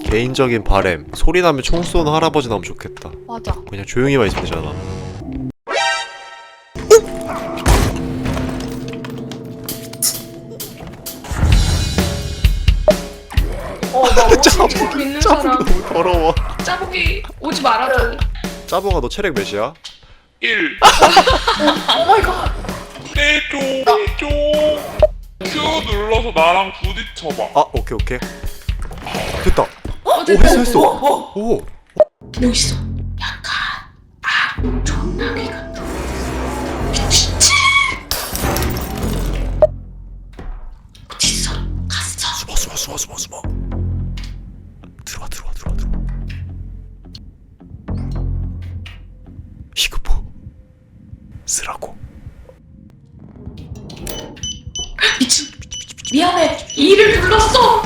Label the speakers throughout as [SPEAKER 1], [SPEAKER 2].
[SPEAKER 1] 개인적인 바램. 소리 나면 총 쏘는 할아버지 나오면 좋겠다.
[SPEAKER 2] 맞아.
[SPEAKER 1] 그냥 조용히만 있으면 되잖아.
[SPEAKER 2] 나 옷이 있는 사람.
[SPEAKER 1] 너무 더러워.
[SPEAKER 2] 짜보기 오지 말아줘.
[SPEAKER 1] 짜보가 너 체력 몇이야?
[SPEAKER 3] 1.
[SPEAKER 2] 오마이갓.
[SPEAKER 3] 내줘. Q 눌러서 나랑 부딪혀봐.
[SPEAKER 1] 아 오케이. 됐다.
[SPEAKER 2] 됐다.
[SPEAKER 1] 했어. 오.
[SPEAKER 2] 멋있어. 약간 존나기가 미치지. 어딨어? 갔어.
[SPEAKER 1] 숨어. 들어와. 이거 쓰라고.
[SPEAKER 2] 미친. 미안해. 이를 눌렀어.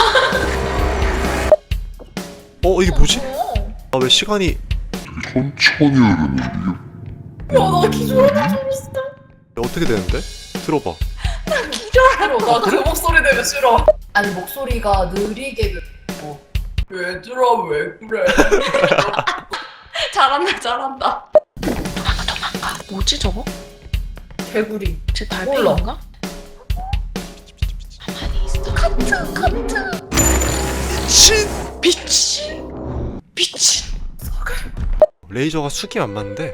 [SPEAKER 1] 이게 뭐지? 아 왜 시간이
[SPEAKER 4] 천천히 흐르는
[SPEAKER 2] 나 기절하다 죽었어.
[SPEAKER 1] 어떻게 되는데? 들어봐.
[SPEAKER 2] 나 그 목소리 되게 싫어. 아니 목소리가 느리게 듣고. 얘들아 왜 그래? 잘한다. 도망가. 뭐지 저거? 개구리. 제 달팽이인가? 가만히 있어. 카트. 미친.
[SPEAKER 1] 레이저가 숙이 안 맞는데.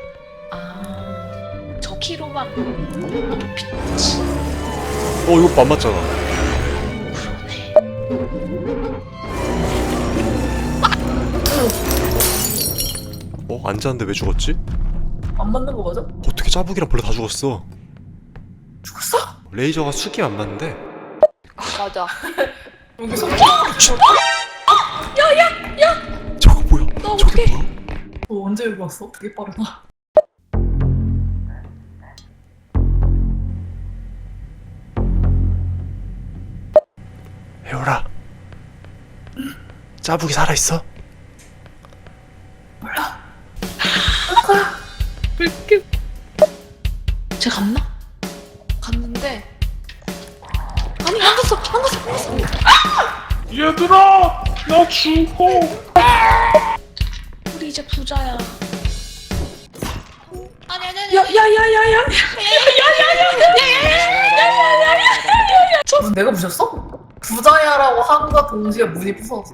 [SPEAKER 2] 저 키로만. 미친.
[SPEAKER 1] 이거 안 맞잖아. 앉았는데 왜 죽었지?
[SPEAKER 2] 안 맞는 거 맞아?
[SPEAKER 1] 어떻게 짜부기랑 벌레 다 죽었어?
[SPEAKER 2] 죽었어?
[SPEAKER 1] 레이저가 숙이 안 맞는데.
[SPEAKER 2] 맞아. 여기서
[SPEAKER 1] 저거 뭐야?
[SPEAKER 2] 너
[SPEAKER 1] 저게
[SPEAKER 2] 어떡해?
[SPEAKER 1] 뭐야?
[SPEAKER 2] 너 언제 여기 왔어? 되게 빠르다.
[SPEAKER 1] 혜월아, 짜부기 살아있어?
[SPEAKER 2] 이렇게. 쟤 갔나? 갔는데. 아니 안 갔어.
[SPEAKER 3] 얘들아, 나 죽어.
[SPEAKER 2] 우리 이제 부자야. 아니. 야야야야야. 내가 부셨어? 부자야라고 한과 동시에 문이 부서졌어.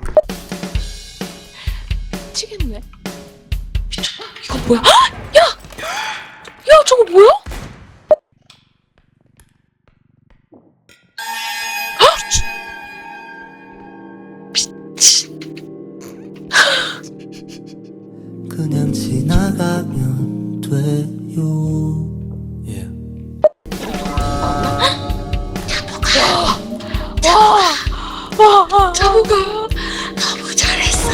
[SPEAKER 2] 미치겠네. 미쳤나? 이거 뭐야? 야 저거 뭐야?
[SPEAKER 5] 그냥 지나가면 돼요.
[SPEAKER 2] 와, 자부가 너무 잘했어.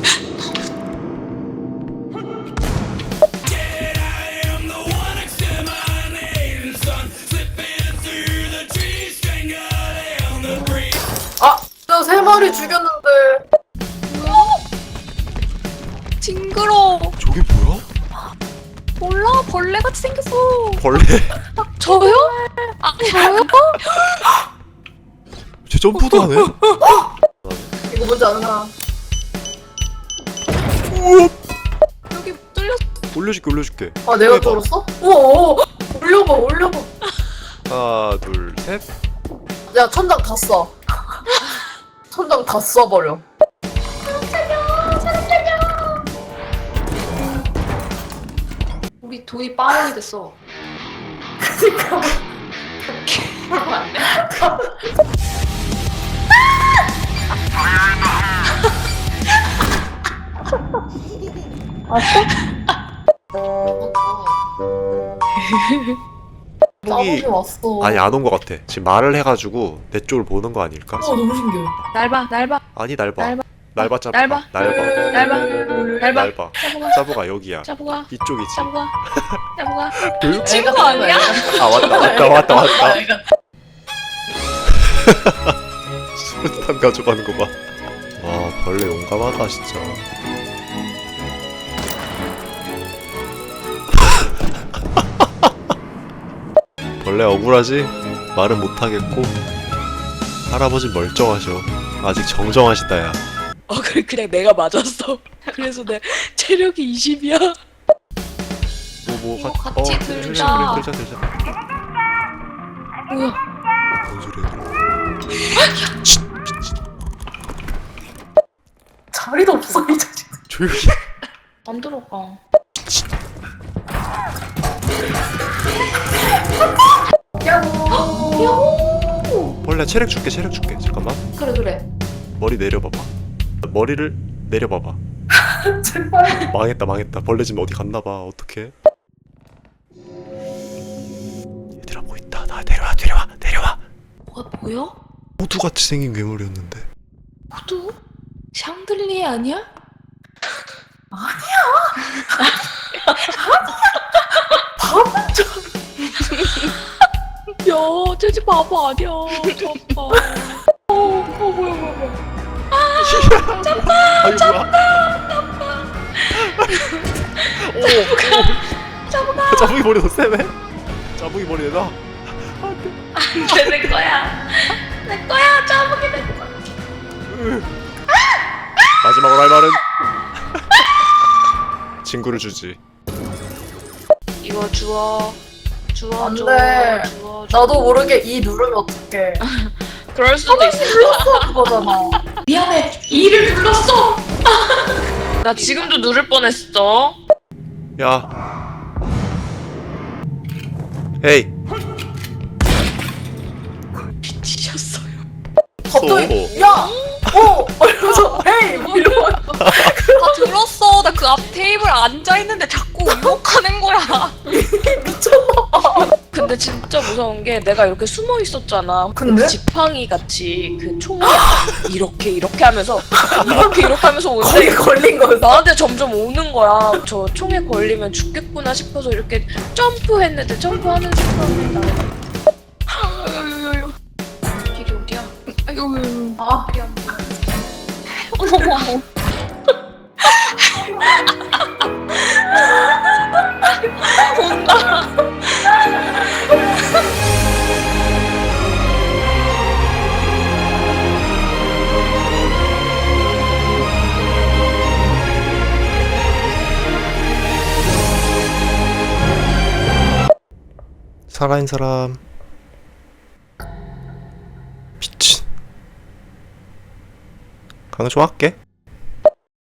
[SPEAKER 2] 나 3마리 죽였는데. 징그러.
[SPEAKER 1] 저게 뭐야?
[SPEAKER 2] 몰라, 벌레같이 생겼어.
[SPEAKER 1] 벌레?
[SPEAKER 2] 저요? 저요?
[SPEAKER 1] 쟤 점프도 하네?
[SPEAKER 2] 이거 뭔지 아나?
[SPEAKER 1] 우와!
[SPEAKER 2] 여기 뚫렸어.
[SPEAKER 1] 올려줄게.
[SPEAKER 2] 아, 내가
[SPEAKER 1] 해봐.
[SPEAKER 2] 뚫었어? 우와, 올려봐.
[SPEAKER 1] 하나, 둘, 셋.
[SPEAKER 2] 야, 천장 다 써. 천장 다 써버려. 우리 돈이 빠원이 됐어. 그니까. 그러면 안 돼? 짜증이 왔어.
[SPEAKER 1] 아니 안 온 것 같아. 지금 말을 해가지고 내 쪽을 보는 거 아닐까?
[SPEAKER 2] 너무 신기해. 날 봐.
[SPEAKER 1] 아니 날 봐.
[SPEAKER 2] 날 봐.
[SPEAKER 1] 날 짜부.
[SPEAKER 2] 날 봐.
[SPEAKER 1] 날 봐.
[SPEAKER 2] 날 봐.
[SPEAKER 1] 날 봐. 짜부가 여기야.
[SPEAKER 2] 짜부가.
[SPEAKER 1] 이쪽이지.
[SPEAKER 2] 짜부가.
[SPEAKER 1] 친구
[SPEAKER 2] 아니야?
[SPEAKER 1] 아 왔다. 수류탄 가져가는 거 봐. 와 벌레 용감하다 진짜. 벌레 억울하지? 말은 못하겠고 할아버지 멀쩡하셔. 아직 정정하시다 야.
[SPEAKER 6] 그래 그냥 내가 맞았어. 그래서 내 체력이 20이야.
[SPEAKER 2] 이거 같이 들자.
[SPEAKER 1] 그래, 들자.
[SPEAKER 6] 뭐야?
[SPEAKER 1] 뭔 소리야?
[SPEAKER 2] 자리도 없어 이 자식.
[SPEAKER 1] 조용히.
[SPEAKER 2] 안 들어가. 야호.
[SPEAKER 1] 원래 체력 줄게. 잠깐만.
[SPEAKER 2] 그래.
[SPEAKER 1] 머리 내려봐봐. 머리를 내려봐봐.
[SPEAKER 2] 제발.
[SPEAKER 1] 망했다. 벌레 지금 어디 갔나봐. 어떡해? 얘들아 뭐 있다. 나 내려와.
[SPEAKER 6] 뭐가 보여?
[SPEAKER 1] 호두같이 생긴 괴물이었는데.
[SPEAKER 6] 호두? 샹들리에 아니야? 야, 쟤지 바보 아니야. 저봐. 뭐야.
[SPEAKER 1] 아유 뭐야? 자붕이 머리 더 세네. 자붕이 머리 내놔.
[SPEAKER 2] 내 거야. 짜부기 내 거야.
[SPEAKER 1] 마지막으로 할 말은 친구를 주지.
[SPEAKER 6] 이거 주워.
[SPEAKER 2] 안 돼.
[SPEAKER 6] 주워.
[SPEAKER 2] 나도 모르게 이 누르면 어떡해.
[SPEAKER 6] 그럴 수도 있어.
[SPEAKER 2] 눌렀어 그거잖아. 미안해. 이를 눌렀어.
[SPEAKER 6] 나 지금도 누를 뻔했어.
[SPEAKER 1] 야. 헤이.
[SPEAKER 6] 미치셨어요.
[SPEAKER 2] 갑자기 야. 이러면서 헤이 뭐 이러고.
[SPEAKER 6] 다 들었어. 나 그 앞 테이블 앉아 있는데 자꾸 유혹하는 거야.
[SPEAKER 2] 미쳤나봐.
[SPEAKER 6] 근데 진짜 무서운 게 내가 이렇게 숨어 있었잖아.
[SPEAKER 2] 근데?
[SPEAKER 6] 지팡이 같이 그 총을 이렇게 하면서 이렇게 하면서
[SPEAKER 2] 거기
[SPEAKER 6] 오는데
[SPEAKER 2] 걸린 거였어.
[SPEAKER 6] 나한테 점점 오는 거야. 저 총에 걸리면 죽겠구나 싶어서 이렇게 점프했는데 점프하는 순간에 나는 길이 어디야?
[SPEAKER 2] 아.
[SPEAKER 6] 어머.
[SPEAKER 1] 살아있는 사람. 미친. 강조 할게.